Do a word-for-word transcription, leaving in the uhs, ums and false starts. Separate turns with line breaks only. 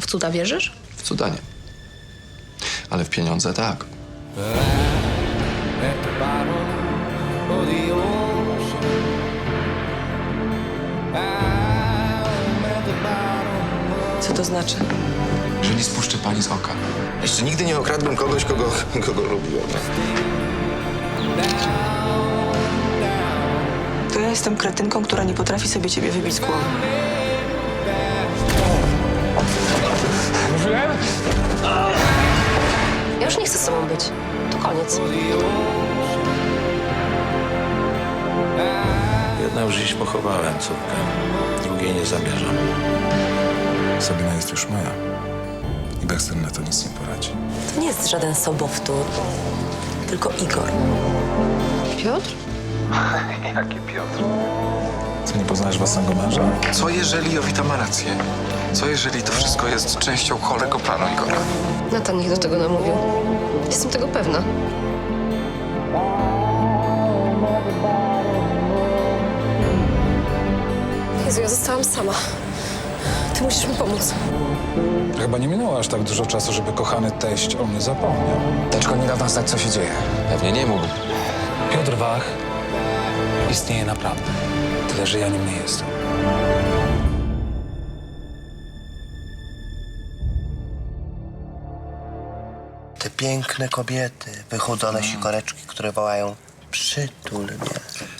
w cuda wierzysz?
W cuda nie. Ale w pieniądze tak.
Co to znaczy?
Że nie spuszczę pani z oka.
Jeszcze nigdy nie okradłem kogoś, kogo, kogo lubiłem.
To ja jestem kretynką, która nie potrafi sobie ciebie wybić z głowy.
Ja już nie chcę z tobą być. To koniec.
Jedna już dziś pochowałem córkę, drugiej nie zamierzam.
Sabina jest już moja. I Baxter na to nic nie poradzi.
To nie jest żaden sobowtór, tylko Igor.
Piotr?
Co, nie poznajesz własnego męża?
Co jeżeli Jowita ma rację? Co jeżeli to wszystko jest częścią chorego planu Igora?
Natan ich do tego namówił. Jestem tego pewna. Jezu, ja zostałam sama. Ty musisz mi pomóc.
Chyba nie minęło aż tak dużo czasu, żeby kochany teść o mnie zapomniał.
Teczko nie da nam znać, co się dzieje.
Pewnie nie mógł.
Piotr Wach istnieje naprawdę. Tyle, że ja nim nie jestem.
Te piękne kobiety, wychudzone sikoreczki, które wołają przytul mnie.